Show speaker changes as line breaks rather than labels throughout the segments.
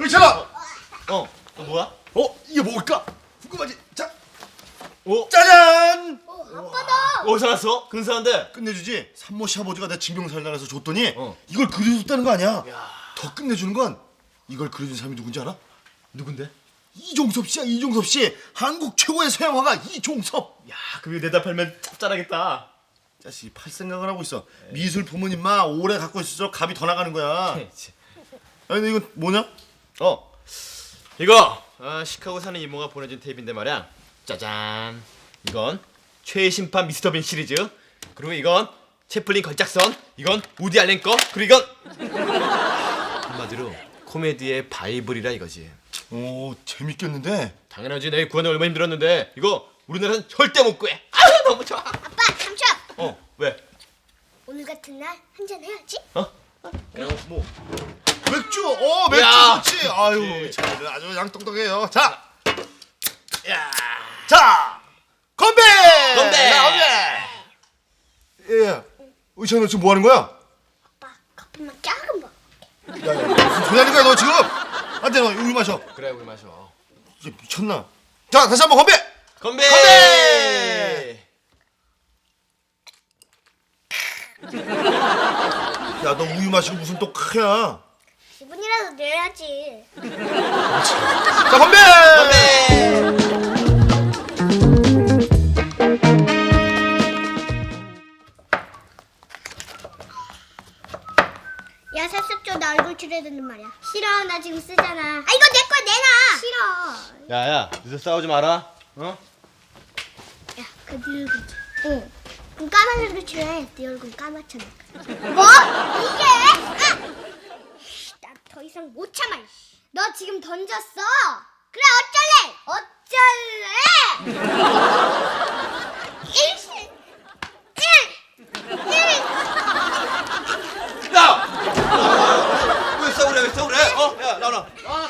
괜찮아.
뭐야?
이게 뭘까? 궁금하지? 자,
오,
짜잔.
아빠다.
어디서 났어? 근사한데.
끝내주지. 산모 시아버지가 내 징병살려서 줬더니
어.
이걸 그려줬다는 거 아니야? 더 끝내주는 건 이걸 그려준 사람이 누군지 알아?
누군데?
이종섭 씨야. 이종섭 씨. 한국 최고의 서양화가 이종섭.
야, 그게 대답하면 짭짤하겠다.
자식이 팔 생각을 하고 있어. 미술 부모님 마 오래 갖고 있을수록 값이 더 나가는 거야. 아니 근데 이건 뭐냐?
이거 시카고 사는 이모가 보내준 테이프인데 말이야. 짜잔. 이건 최신판 미스터 빈 시리즈. 그리고 이건 채플린 걸작선. 이건 우디 알렌 거. 그리고 이건 한마디로 코미디의 바이블이라 이거지.
오, 재밌겠는데?
당연하지. 내가 구하는 얼마 힘들었는데 이거 우리나라는 절대 못 구해. 아, 너무 좋아.
아빠 잠시.
왜?
오늘 같은 날 한잔 해야지.
뭐?
맥주. 맥주
야.
좋지. 아유,
그치.
참, 아주 양똑똑해요. 자, 자, 건배.
건배!
예. 의찬 너 지금 뭐 하는 거야?
아빠 커피만 작은 거.
야, 무슨 소리 하는 거야 너 지금? 안돼, 너 우유 마셔.
그래, 우리 마셔.
이게 미쳤나? 자, 다시 한번 건배.
건배!
건배! 야, 너 우유 마시고 무슨 또 크야?
기분이라도 내야지.
자, 건배!
건배!
야 살색조 나 얼굴 칠해야 말이야. 싫어 나 지금 쓰잖아. 아 이거 내 거야 내놔. 싫어.
야야, 늦어 싸우지 마라. 어?
야그 네 얼굴. 응. 그럼 까만 얼굴 칠해. 네 얼굴 까맣잖아. 뭐? 이게? 나 더 이상 못 참아. 너 지금 던졌어. 그래 어쩔래? 일시.
야! 왜 싸우래? 왜 싸우래? 야, 나와.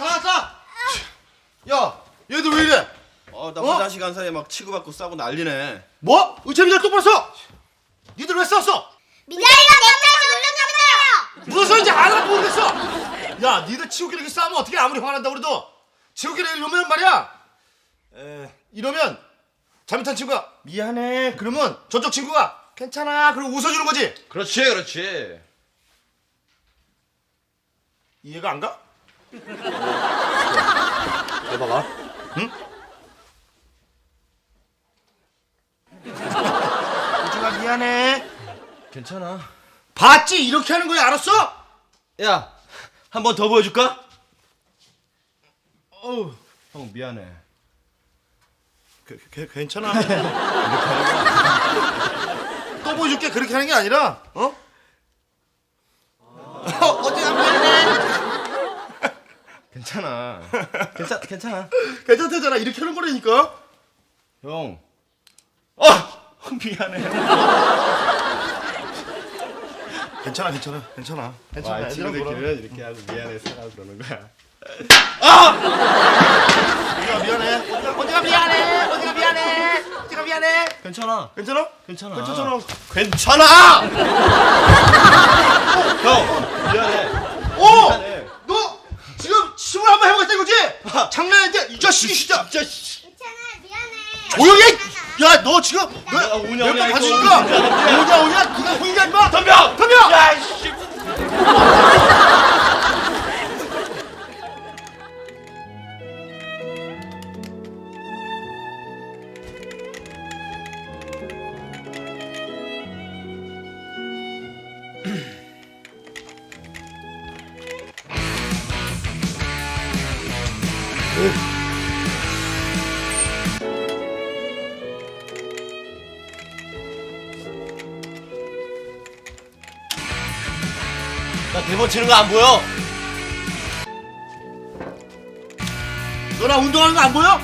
야, 얘들 왜 이래?
나 화장실 간 사이에 막 치고받고 싸고 난리네.
뭐? 의찬이들 똑바로 써! 니들 왜 싸웠어?
민다이가 내 딸을 운동하면서요.
무슨 소리인지 하나도 모르겠어! 야, 니들 치우기를 이렇게 싸우면 어떻게 아무리 화난다고 그래도 치우기를 이러면 말이야 이러면 잘못한 친구가 미안해 그러면 저쪽 친구가 괜찮아 그러고 웃어주는 거지.
그렇지.
이해가 안 가?
해봐봐.
응? 우주가 미안해.
괜찮아.
봤지? 이렇게 하는 거야 알았어?
야, 한 번 더 보여줄까? 어우, 형 미안해.
괜찮아. 또 보여줄게. 그렇게 하는 게 아니라 어디가 미안해.
괜찮아. 괜찮아.
괜찮다잖아. 이렇게 하는 거라니까.
형. 미안해.
괜찮아.
와,
애들은 뭐라.
친구들끼리는 이렇게 하고 미안해 사라고 그러는 거야.
어디가 미안해. 어디가 미안해.
괜찮아.
괜찮아?
괜찮아. 형, 미안해. 미안해.
너 지금 침을 한번 해보겠다 이거지? 장난인데 이 자식이 진짜.
괜찮아 미안해.
조용히 해! 야, 너 지금
오냐,
몇번
이거.
가지니까 오냐 네가 혼자 임마.
덤벼. 야, 씨. 나 대본 치는 거 안 보여?
너랑 운동하는 거 안 보여?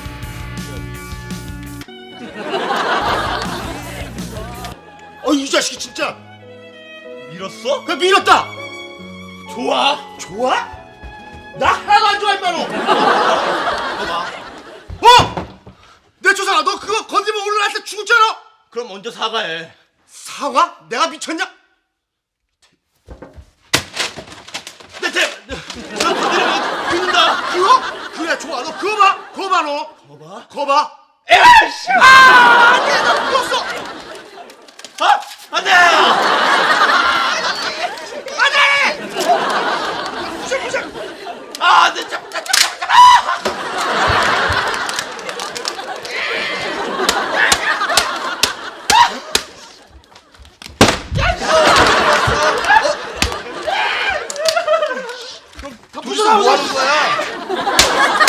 이 자식이 진짜.
밀었어?
그냥 밀었다.
좋아.
좋아? 나 하나도 안 좋아 임마 너.
봐봐.
내 조상아 너 그거 건드리면 오늘 날 때 죽었잖아.
그럼 먼저 사과해.
사과? 내가 미쳤냐?
너 건드리면
그래 좋아. 너 그거 봐. 그거 봐 너. 그거 봐.
에이씨!
아, 내가 죽었어.
아! 안 돼! 아, 안 돼!
도대체 뭐 하는 거야?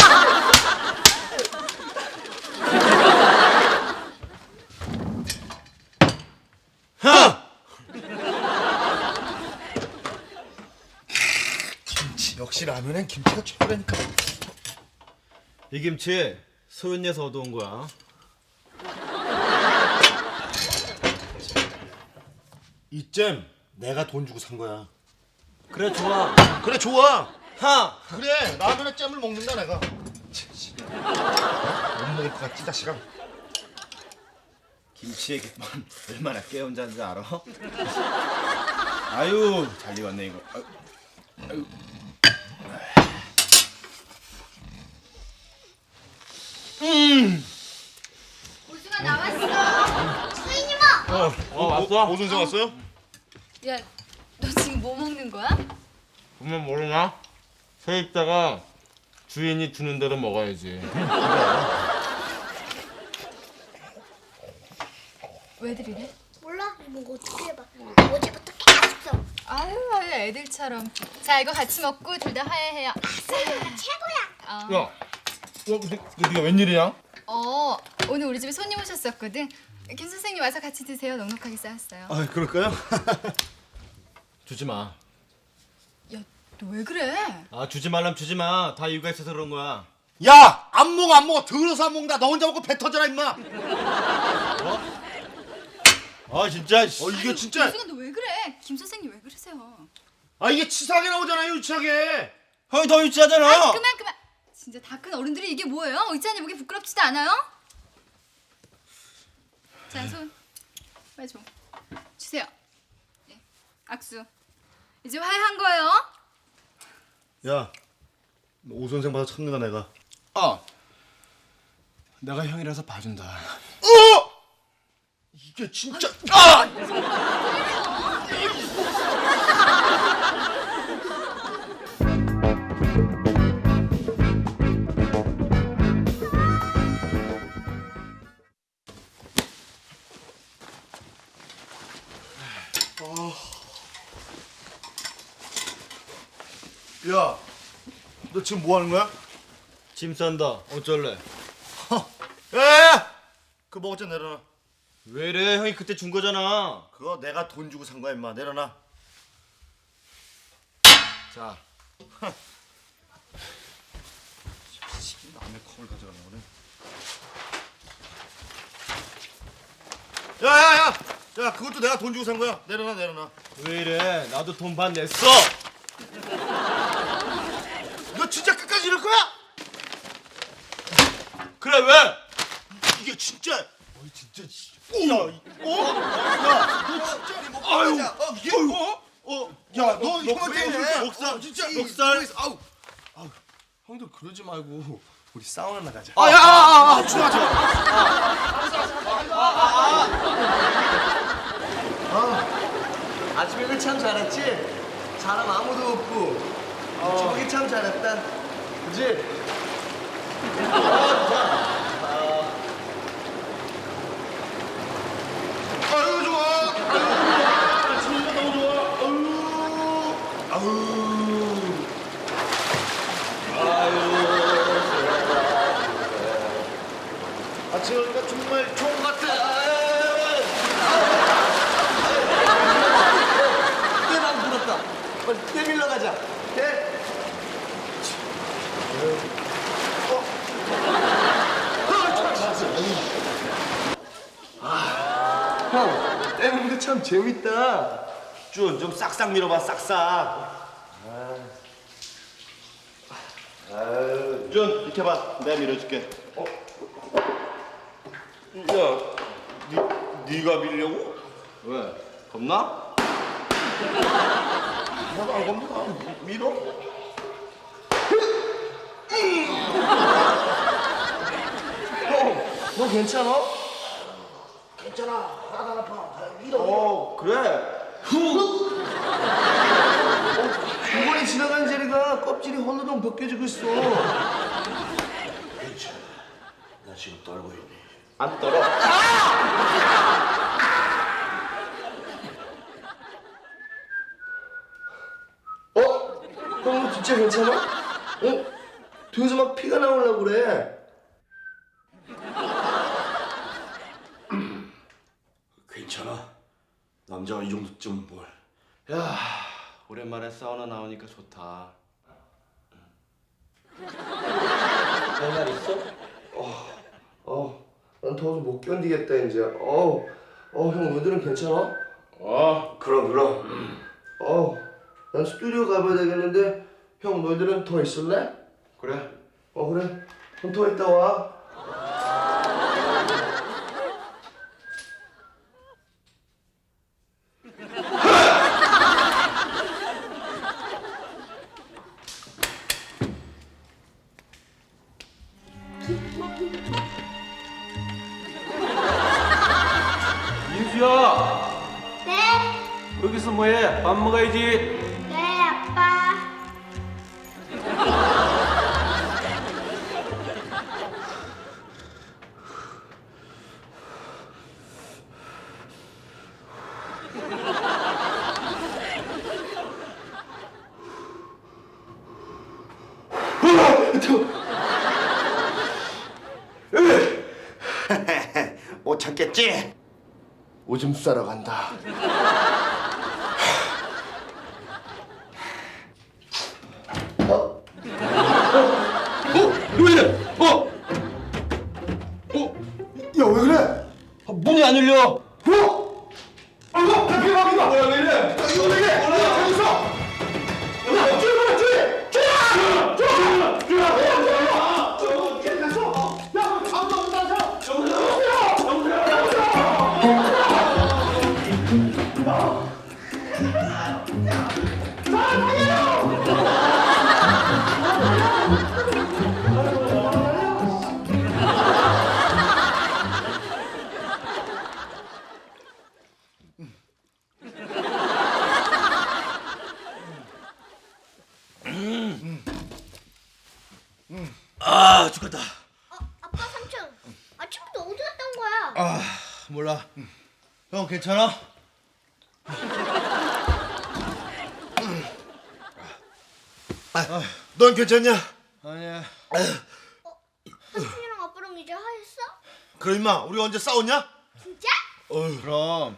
김치 역시 라면엔 김치가 최고라니까.
이 김치 소윤이에서 얻어온 거야.
이잼 내가 돈 주고 산 거야.
그래 좋아.
그래 좋아.
하!
그래 라면에 잼을 먹는다 내가. 못 먹을 것 같지 자식아.
김치의 기쁨 얼마나 깨운자인지 알아? 아유 잘 익었네 이거. 아유.
오승아 나왔어. 수인이 뭐?
왔어?
오선생 왔어요?
야, 너 지금 뭐 먹는 거야?
보면 모르나? 세입자가 주인이 주는 대로 먹어야지.
왜 들이래?
몰라. 이거 어떻게 해봐. 어제부터 계속 써.
아유, 애들처럼. 자, 이거 같이 먹고 둘 다 화해해요.
최고야.
야, 네가 웬일이야?
오늘 우리 집에 손님 오셨었거든. 김 선생님 와서 같이 드세요. 넉넉하게 쌓았어요.
아 그럴까요?
주지 마.
야, 너 왜 그래?
아 주지 말라면 주지 마. 다 이유가 있어서 그런 거야.
야 안 먹어 안 먹어. 더러서 안 먹는다. 너 혼자 먹고 배 터져라 임마. 아 진짜. 이게 진짜.
오승아, 너 왜 그래? 김 선생님 왜 그러세요?
아 이게 치사하게 나오잖아요 유치하게.
형이 더 유치하잖아.
아, 그만. 진짜 다 큰 어른들이 이게 뭐예요? 의자니 보기 부끄럽지도 않아요? 자, 손. 빨리 줘. 주세요. 예. 악수. 이제 화해한 거예요?
야, 너 오 선생 봐서 참는다 내가.
내가 형이라서 봐준다.
이게 진짜. 야, 너 지금 뭐 하는 거야?
짐 싼다. 어쩔래?
야, 그거 먹었자 내려놔.
왜 이래? 형이 그때 준 거잖아.
그거 내가 돈 주고 산 거야 임마. 내려놔.
자.
남의 컵을 가져가나 보네. 야야야, 야 그것도 내가 돈 주고 산 거야. 내려놔.
왜 이래? 나도 돈 반 냈어.
너 진짜 끝까지 이럴 거야?
그래 왜?
이게 진짜. 진짜. 야, 너 진짜. 아유, 이게 야, 너 형한테 목살, 진짜 목살. 아우.
형도 그러지 말고 우리 사우나 나가자.
야, 좋아.
아침에 참 잘했지? 사람 아무도 없고 저기 참 잘했다. 그지?
아유 좋아. 아침이가 너무 좋아. 아침이가 정말 좋은 것 같아.
때랑 불었다. 빨리 때 밀러 가자. 때. 형, 때 밀는 거 참 재밌다.
좀 싹싹 밀어봐, 싹싹. 준 이렇게 봐, 내가 밀어줄게. 야, 네가 밀려고?
왜? 겁나?
나도 안 겁나. 밀어.
너 괜찮아?
괜찮아. 하나도 안 아파.
그래. 두 번이 지나간 제리가 껍질이 허느덩 벗겨지고 있어.
괜찮아. 나 지금 떨고 있니?
안 떨어. 형, 너 진짜 괜찮아? 등에서 막 피가 나오려고 그래.
괜찮아. 남자가 이 정도쯤은 뭘?
야, 오랜만에 사우나 나오니까 좋다. 할말 있어? 난 더워서 못 견디겠다 이제. 형 너희들은 괜찮아?
그럼.
난 스튜디오 가봐야 되겠는데 형 너희들은 더 있을래?
그래.
그래. 그럼 더 있다 와.
민수야,
네?
여기서 뭐해? 밥 먹어야지.
네, 아빠.
못 참겠지?
오줌 싸러 간다.
왜 이래?
야 왜 그래?
문이 안 열려.
대박이다.
뭐야 왜 이래?
이거 왜 이래? 여기서. 야 줄여봐
아 죽겠다.
아빠 삼촌. 아침부터 어디 갔다 온 거야?
몰라. 형 괜찮아?
넌 괜찮냐?
아니야.
삼촌이랑 아빠랑 이제 화했어?
그럼 임마 우리 언제 싸웠냐?
진짜?
그럼.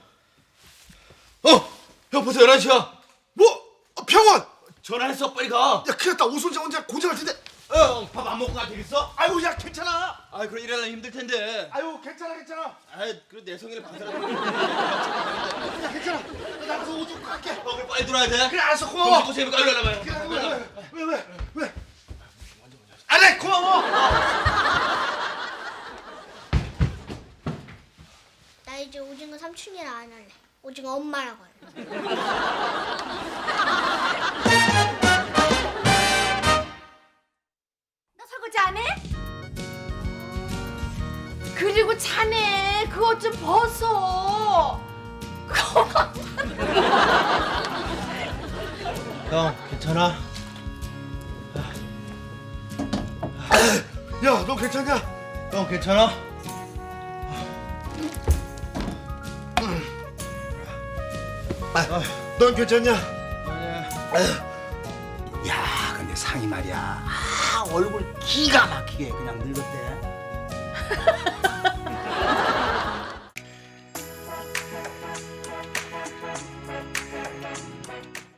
형 벌써 11시야. 뭐? 병원!
전화했어 빨리 가.
야 큰일 났다. 오순재 혼자 고생할 텐데.
형 밥 안 먹고 가 되겠어?
아유 야 괜찮아.
아 그럼 일하려면 힘들 텐데.
아유 괜찮아.
아 그래 내 성의를 봐서라도.
야 괜찮아. 나 가서 옷 입고 갈게.
그래 빨리 들어야 돼.
그래 알았어
형
고마워.
먹고 재밌게 빨리 가려면.
왜? 아래 고마워.
나 이제 오징어 삼촌이랑 안 할래. 오징어 엄마라고 할래.
너 설거지 안 해? 그리고 자네 그 옷 좀 벗어.
형 괜찮아?
야 너 괜찮냐?
형 괜찮아?
넌 괜찮냐?
야, 근데 상이 말이야. 얼굴 기가 막히게 그냥 늙었대.